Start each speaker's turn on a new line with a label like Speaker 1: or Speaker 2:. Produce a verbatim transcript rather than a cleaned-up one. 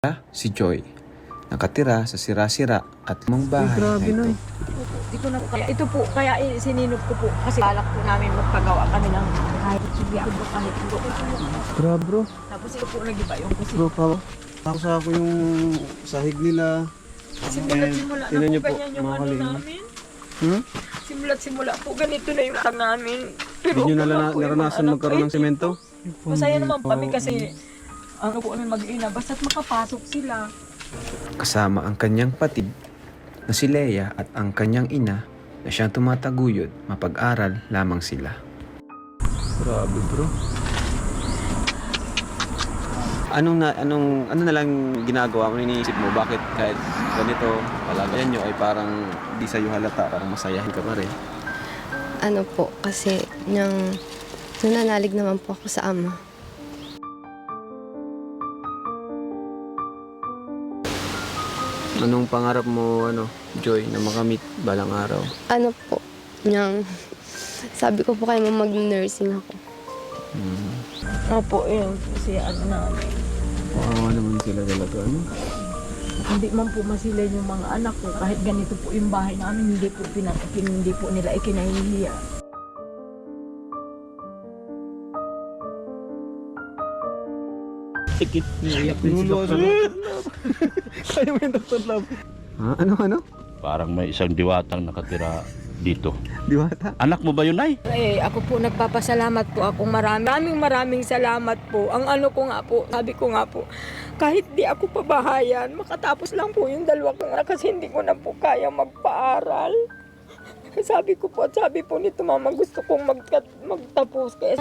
Speaker 1: Si Joy, nakatira sa sira-sira at lumang bahay na ito.
Speaker 2: Di ko na kaya ito po kaya sininop ko po kasi balak po namin magpagawa kami ng kahit sige ako kahit po.
Speaker 3: Grabe bro.
Speaker 2: Tapos ito po nagiba yung kasi
Speaker 3: Bro, pa tapos ako yung sahig nila.
Speaker 2: simula't simula na
Speaker 3: Tingnan niyo
Speaker 2: po
Speaker 3: po,
Speaker 2: ganyan yung
Speaker 3: mga
Speaker 2: ano
Speaker 3: kalingap.
Speaker 2: namin.
Speaker 3: Hmm?
Speaker 2: Simula't simula po ganito na yung tang namin.
Speaker 3: Hindi nyo
Speaker 2: ako
Speaker 3: nalana-
Speaker 2: po yung
Speaker 3: naranasan
Speaker 2: anak
Speaker 3: magkaroon
Speaker 2: ko,
Speaker 3: ng semento?
Speaker 2: Masaya naman po kami kasi ano po kami mag-ina basta't makapasok sila.
Speaker 1: Kasama ang kanyang patid na si Leia at ang kanyang ina na siyang tumataguyod mapag-aral lamang sila.
Speaker 3: Grabe bro. Anong na anong ano na lang ginagawa mo, iniisip mo bakit kahit ganito palagayan nyo ay parang di sa'yo halata, parang masayahin ka pa rin?
Speaker 4: Ano po, kasi nang nananalig naman po ako sa ama.
Speaker 3: Anong pangarap mo, ano, Joy, na makamit balang araw?
Speaker 4: Ano po, nang sabi ko po kayo mag-nursing ako.
Speaker 3: Hmm.
Speaker 2: Opo, yun kasi ano namin.
Speaker 3: Wow, naman sila talaga, ano?
Speaker 2: Hindi man po masilay yung mga anak ko kahit ganito po yung bahay namin hindi po pinat hindi po nila ikinahihiya.
Speaker 3: Tikit, naiyak din si Doctor Love. Kaya mo yung Doctor Love. Ha? Ano, ano?
Speaker 5: Parang may isang diwatang nakatira dito.
Speaker 3: Diwata?
Speaker 5: Anak mo ba yun, Nay?
Speaker 2: Eh, ako po nagpapasalamat po akong marami. Maraming maraming salamat po. Ang ano ko nga po, sabi ko nga po, kahit di ako pabahayan, makatapos lang po yung dalawa ko nga kasi hindi ko na po kaya magpaaral. Sabi ko po at sabi po nito, mama, gusto kong mag magtapos. Kaya